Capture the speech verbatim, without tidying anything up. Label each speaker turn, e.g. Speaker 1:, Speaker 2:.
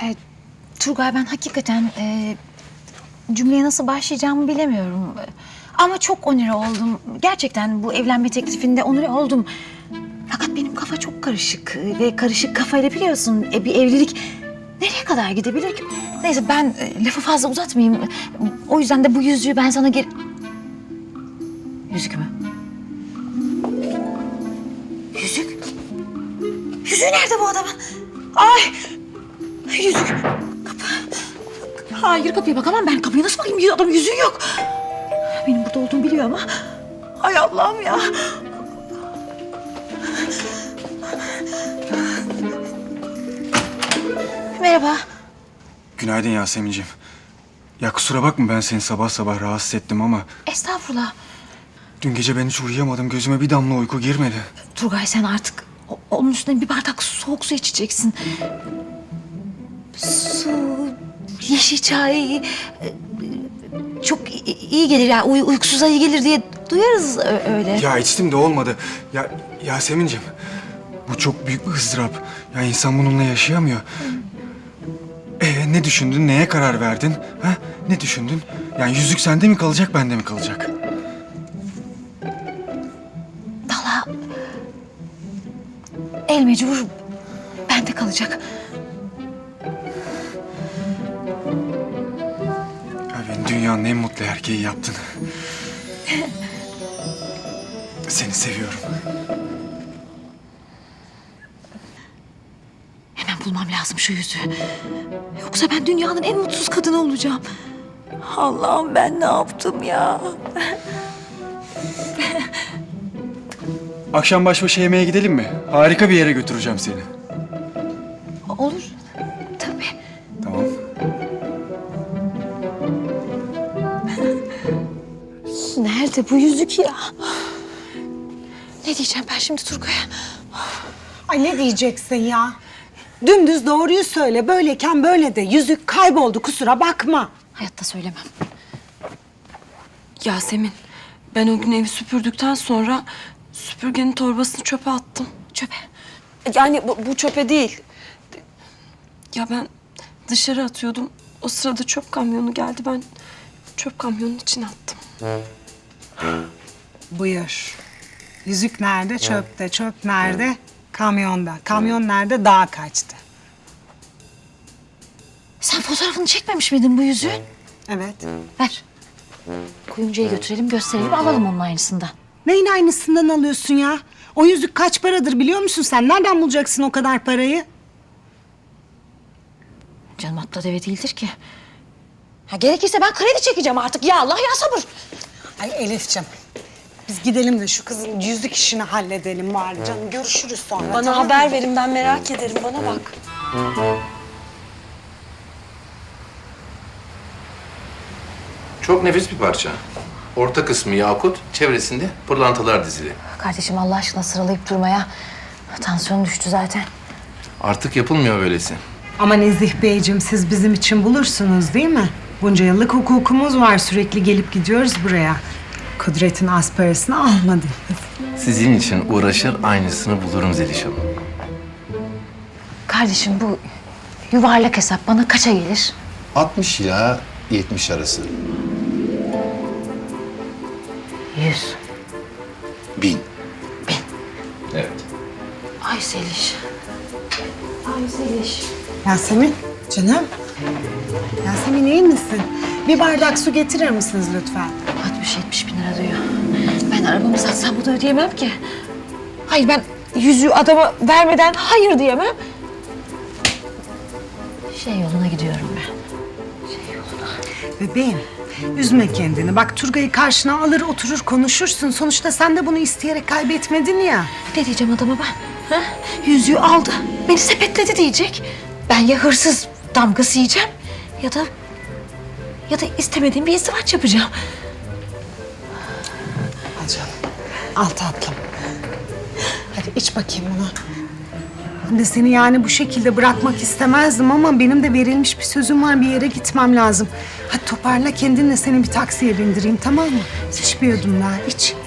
Speaker 1: E, Turgay, ben hakikaten e, cümleye nasıl başlayacağımı bilemiyorum. Ama çok onure oldum. Gerçekten bu evlenme teklifinde onure oldum. Fakat benim kafa çok karışık ve karışık kafayla biliyorsun e, bir evlilik nereye kadar gidebilir ki? Neyse ben e, lafı fazla uzatmayayım. O yüzden de bu yüzüğü ben sana geri... Yüzük mü? Yüzük? Yüzüğü nerede bu adamın? Ay! Yüzük. Kapı. Hayır, kapıya bakamam ben. Kapıya nasıl bakayım? Adamın yüzüğü yok. Benim burada olduğumu biliyor ama. Ay Allah'ım ya. Merhaba.
Speaker 2: Günaydın Yasemin'ciğim. Ya kusura bakma ben seni sabah sabah rahatsız ettim ama...
Speaker 1: Estağfurullah.
Speaker 2: Dün gece ben hiç uyuyamadım. Gözüme bir damla uyku girmedi.
Speaker 1: Turgay, sen artık o- onun üstüne bir bardak soğuk su içeceksin. Su, yeşil çay... e, Çok i- iyi gelir ya. Uy- uykusuza iyi gelir diye duyarız ö- öyle.
Speaker 2: Ya içtim de olmadı. Ya Yasemin'ciğim bu çok büyük bir ızdırap. Ya insan bununla yaşayamıyor. Ee, ne düşündün? Neye karar verdin? Ha? Ne düşündün? Yani yüzük sende mi kalacak, bende mi kalacak?
Speaker 1: Valla el mecbur bende kalacak.
Speaker 2: Ya beni dünyanın en mutlu erkeği yaptın. Seni seviyorum.
Speaker 1: Hemen bulmam lazım şu yüzüğü. Yoksa ben dünyanın en mutsuz kadını olacağım. Allah'ım, ben ne yaptım ya?
Speaker 2: Akşam baş başa yemeğe gidelim mi? Harika bir yere götüreceğim seni.
Speaker 1: Olur. Tabii.
Speaker 2: Tamam.
Speaker 1: Nerede bu yüzük ya? Ne diyeceğim ben şimdi Turgay'a?
Speaker 3: Ay ne diyeceksin ya? Dümdüz doğruyu söyle. Böyleyken böyle de. Yüzük kayboldu, kusura bakma.
Speaker 1: Hayatta söylemem.
Speaker 4: Yasemin, ben o gün evi süpürdükten sonra süpürgenin torbasını çöpe attım.
Speaker 1: Çöpe.
Speaker 4: Yani bu, bu çöpe değil. Ya ben dışarı atıyordum. O sırada çöp kamyonu geldi. Ben çöp kamyonunun içine attım.
Speaker 3: Buyur. Yüzük nerede? Çöpte. Çöp nerede? Kamyonda. Kamyon nerede? Dağa kaçtı.
Speaker 1: Sen fotoğrafını çekmemiş miydin bu yüzüğün?
Speaker 3: Evet.
Speaker 1: Ver. Kuyumcuya götürelim, gösterelim, alalım onun aynısından.
Speaker 3: Neyin aynısından alıyorsun ya? O yüzük kaç paradır biliyor musun sen? Nereden bulacaksın o kadar parayı?
Speaker 1: Canım atla deve değildir ki. Ha, gerekirse ben kredi çekeceğim artık. Ya Allah ya sabır.
Speaker 3: Ay Elif'ciğim. Biz gidelim de şu kızın yüzük işini halledelim bari canım. Görüşürüz sonra.
Speaker 4: Bana
Speaker 3: tamam mı?
Speaker 4: haber verin, ben merak ederim. Bana bak.
Speaker 5: Çok nefis bir parça. Orta kısmı yakut, çevresinde pırlantalar dizili.
Speaker 1: Kardeşim, Allah aşkına sıralayıp durmaya. Tansiyonum düştü zaten.
Speaker 5: Artık yapılmıyor böylesi.
Speaker 3: Ama Nezih Beyciğim, siz bizim için bulursunuz değil mi? Bunca yıllık hukukumuz var. Sürekli gelip gidiyoruz buraya. Kudret'in az parasını almadınız.
Speaker 5: Sizin için uğraşır, aynısını bulurum Zeliş Hanım.
Speaker 1: Kardeşim, bu yuvarlak hesap bana kaça gelir?
Speaker 6: altmış ila yetmiş arası.
Speaker 1: Yüz.
Speaker 6: Bin.
Speaker 5: Evet.
Speaker 1: Ay Zeliş. Ay Zeliş.
Speaker 3: Yasemin, canım. Yasemin iyi misin? Bir bardak su getirir misiniz lütfen?
Speaker 1: altmış yetmiş bin lira diyor. Ben arabamı satsam bunu ödeyemem ki. Hayır, ben yüzüğü adama vermeden hayır diyemem. Şey yoluna gidiyorum ben. Şey yoluna.
Speaker 3: Bebeğim, üzme kendini. Bak Turgay'ı karşına alır oturur konuşursun. Sonuçta sen de bunu isteyerek kaybetmedin ya.
Speaker 1: Ne diyeceğim adama ben? Ha? Yüzüğü aldı, beni sepetledi diyecek. Ben ya hırsız damgası yiyeceğim ya da... ya da istemediğim bir izdivaç yapacağım.
Speaker 3: Al canım. Al tatlım. Hadi iç bakayım bunu. Ben de seni yani bu şekilde bırakmak istemezdim ama benim de verilmiş bir sözüm var. Bir yere gitmem lazım. Hadi toparla kendinle, seni bir taksiye bindireyim, tamam mı? İç bir yudum daha, iç.